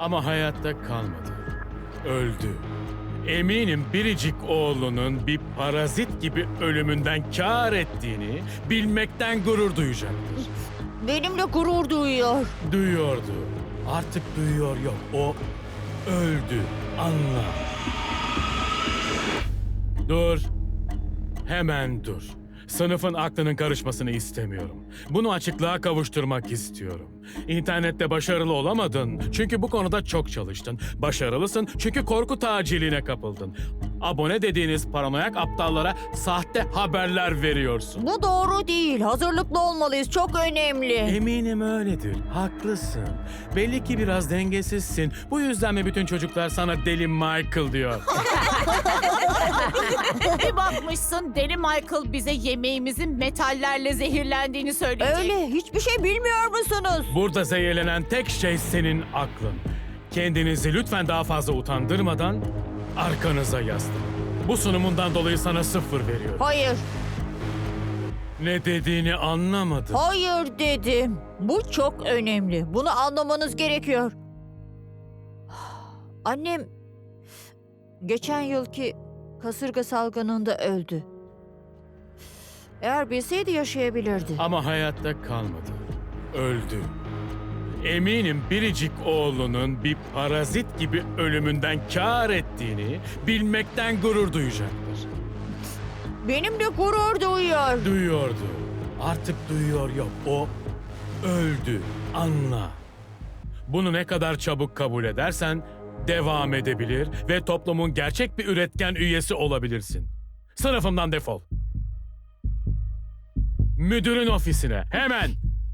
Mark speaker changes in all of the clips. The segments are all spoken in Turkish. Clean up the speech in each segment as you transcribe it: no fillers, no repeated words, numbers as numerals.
Speaker 1: Ama hayatta kalmadı. Öldü. Eminim biricik oğlunun bir parazit gibi ölümünden kâr ettiğini bilmekten gurur duyacaktır.
Speaker 2: Benimle gurur duyuyor.
Speaker 1: Duyuyordu. Artık duyuyor yok. O öldü. Anla. Dur. Hemen dur. Sınıfın aklının karışmasını istemiyorum. Bunu açıklığa kavuşturmak istiyorum. İnternette başarılı olamadın çünkü bu konuda çok çalıştın. Başarılısın çünkü korku taciline kapıldın. Abone dediğiniz paranoyak aptallara sahte haberler veriyorsun.
Speaker 2: Bu doğru değil. Hazırlıklı olmalıyız. Çok önemli.
Speaker 1: Eminim öyledir. Haklısın. Belli ki biraz dengesizsin. Bu yüzden mi bütün çocuklar sana Deli Michael diyor?
Speaker 3: Bir bakmışsın Deli Michael bize yemeğimizin metallerle zehirlendiğini söyleyecek.
Speaker 2: Öyle. Hiçbir şey bilmiyor musunuz?
Speaker 1: Burada zehirlenen tek şey senin aklın. Kendinizi lütfen daha fazla utandırmadan arkanıza yaslanın. Bu sunumundan dolayı sana 0 veriyorum.
Speaker 2: Hayır.
Speaker 1: Ne dediğini anlamadım.
Speaker 2: Hayır dedim. Bu çok önemli. Bunu anlamanız gerekiyor. Annem geçen yılki kasırga salgınında öldü. Eğer bilseydi yaşayabilirdi.
Speaker 1: Ama hayatta kalmadı. Öldü. Eminim biricik oğlunun bir parazit gibi ölümünden kâr ettiğini bilmekten gurur duyacaktır.
Speaker 2: Benimle gurur duyuyor.
Speaker 1: Duyuyordu. Artık duyuyor yok. O öldü. Anla. Bunu ne kadar çabuk kabul edersen devam edebilir ve toplumun gerçek bir üretken üyesi olabilirsin. Sınıfımdan defol. Müdürün ofisine hemen.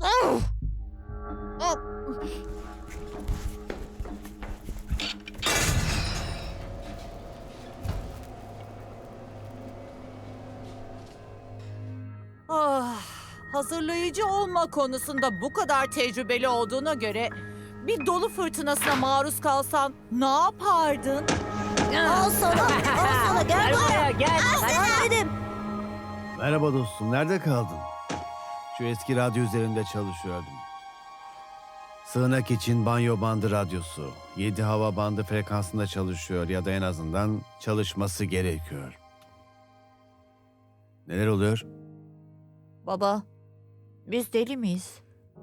Speaker 3: Hazırlayıcı olma konusunda bu kadar tecrübeli olduğuna göre bir dolu fırtınasına maruz kalsan ne yapardın?
Speaker 2: Al sana. Al sana. Gel buraya.
Speaker 3: Gel.
Speaker 2: Ben dedim.
Speaker 4: Merhaba dostum, nerede kaldın? Şu eski radyo üzerinde çalışıyordum. Sığınak için banyo bandı radyosu. 7 hava bandı frekansında çalışıyor ya da en azından çalışması gerekiyor. Neler oluyor?
Speaker 2: Baba, biz deli miyiz?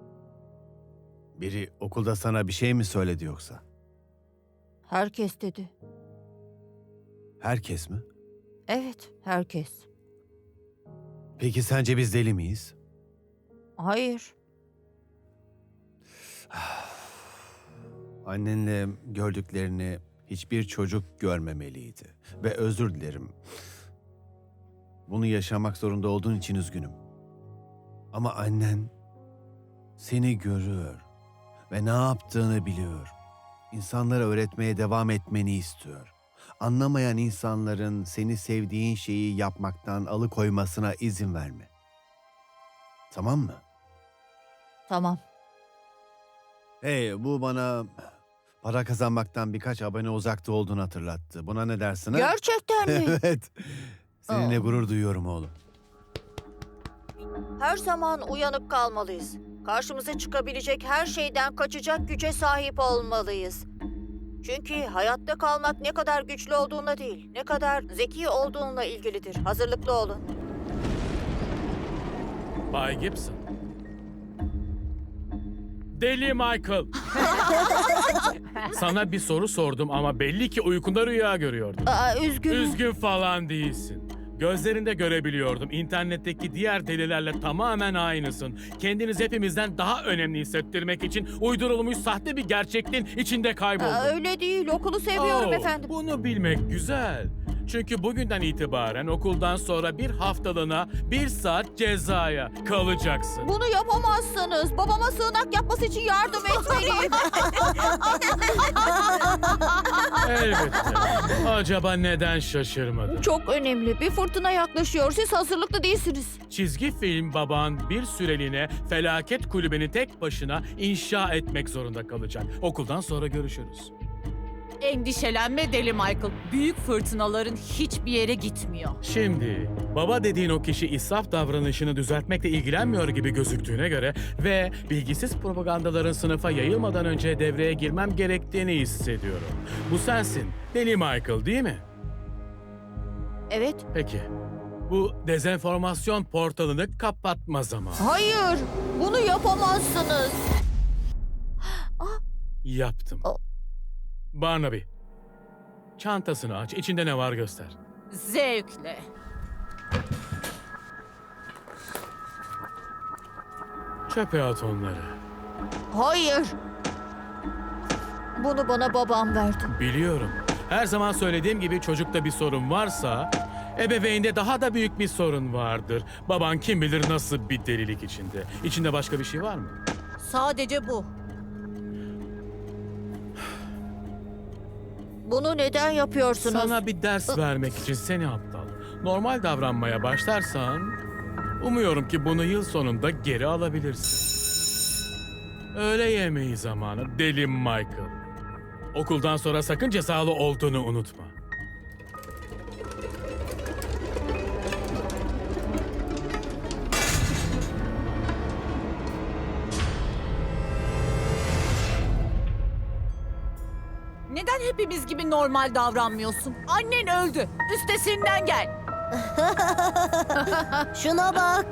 Speaker 4: Biri okulda sana bir şey mi söyledi yoksa?
Speaker 2: Herkes dedi.
Speaker 4: Herkes mi?
Speaker 2: Evet, herkes.
Speaker 4: Peki sence biz deli miyiz?
Speaker 2: Hayır.
Speaker 4: Annenle gördüklerini hiçbir çocuk görmemeliydi. Ve özür dilerim. Bunu yaşamak zorunda olduğun için üzgünüm. Ama annen seni görüyor ve ne yaptığını biliyor. İnsanlara öğretmeye devam etmeni istiyor. Anlamayan insanların seni sevdiğin şeyi yapmaktan alıkoymasına izin verme. Tamam mı?
Speaker 2: Tamam.
Speaker 4: Hey, bu bana para kazanmaktan birkaç abone uzakta olduğunu hatırlattı. Buna ne dersin ha?
Speaker 2: Gerçekten mi?
Speaker 4: Evet. Seninle
Speaker 2: Aa.
Speaker 4: gurur duyuyorum oğlum.
Speaker 2: Her zaman uyanık kalmalıyız. Karşımıza çıkabilecek her şeyden kaçacak güce sahip olmalıyız. Çünkü hayatta kalmak ne kadar güçlü olduğuna değil, ne kadar zeki olduğunla ilgilidir. Hazırlıklı olun.
Speaker 1: Bay Gibson. Deli Michael. Sana bir soru sordum ama belli ki uykunda rüya görüyordun.
Speaker 2: Üzgünüm.
Speaker 1: Üzgün falan değilsin. Gözlerinde görebiliyordum. İnternetteki diğer delilerle tamamen aynısın. Kendiniz hepimizden daha önemli hissettirmek için uydurulmuş sahte bir gerçekliğin içinde kayboldun.
Speaker 2: Öyle değil. Okulu seviyorum
Speaker 1: Oo,
Speaker 2: efendim.
Speaker 1: Bunu bilmek güzel. Çünkü bugünden itibaren okuldan sonra bir haftalığına 1 saat cezaya kalacaksın.
Speaker 2: Bunu yapamazsınız. Babama sığınak yapması için yardım etmeliyim.
Speaker 1: Elbette. Acaba neden şaşırmadın?
Speaker 2: Çok önemli. Bir fırtına yaklaşıyor. Siz hazırlıklı değilsiniz.
Speaker 1: Çizgi film baban bir süreliğine felaket kulübeni tek başına inşa etmek zorunda kalacak. Okuldan sonra görüşürüz.
Speaker 3: Endişelenme Deli Michael. Büyük fırtınaların hiçbir yere gitmiyor.
Speaker 1: Şimdi baba dediğin o kişi israf davranışını düzeltmekle ilgilenmiyor gibi gözüktüğüne göre ve bilgisiz propagandaların sınıfa yayılmadan önce devreye girmem gerektiğini hissediyorum. Bu sensin, Deli Michael değil mi?
Speaker 2: Evet.
Speaker 1: Peki. Bu dezenformasyon portalını kapatma zamanı.
Speaker 2: Hayır, bunu yapamazsınız.
Speaker 1: Yaptım.
Speaker 2: O-
Speaker 1: Barnaby, çantasını aç, içinde ne var göster.
Speaker 3: Zevkle.
Speaker 1: Çöpe at onları.
Speaker 2: Hayır. Bunu bana babam verdi.
Speaker 1: Biliyorum. Her zaman söylediğim gibi çocukta bir sorun varsa, ebeveynde daha da büyük bir sorun vardır. Baban kim bilir nasıl bir delilik içinde. İçinde başka bir şey var mı?
Speaker 3: Sadece bu.
Speaker 2: Bunu neden yapıyorsunuz?
Speaker 1: Sana bir ders vermek için seni aptal. Normal davranmaya başlarsan, umuyorum ki bunu yıl sonunda geri alabilirsin. Öğle yemeği zamanı Deli Michael. Okuldan sonra sakın cezalı olduğunu unutma.
Speaker 3: Neden hepimiz gibi normal davranmıyorsun? Annen öldü. Üstesinden gel.
Speaker 2: Şuna bak.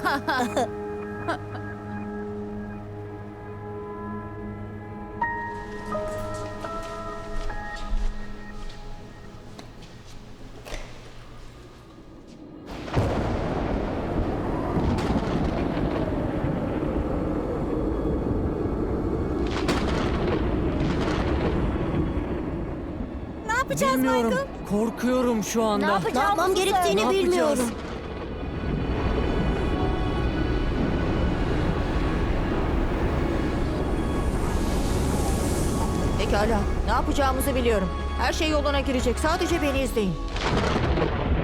Speaker 5: Bilmiyorum. Korkuyorum şu anda.
Speaker 2: Ne yapmam gerektiğini
Speaker 5: Ne
Speaker 2: bilmiyorum.
Speaker 5: yapacağız?
Speaker 2: Pekala. Ne yapacağımızı biliyorum. Her şey yoluna girecek. Sadece beni izleyin.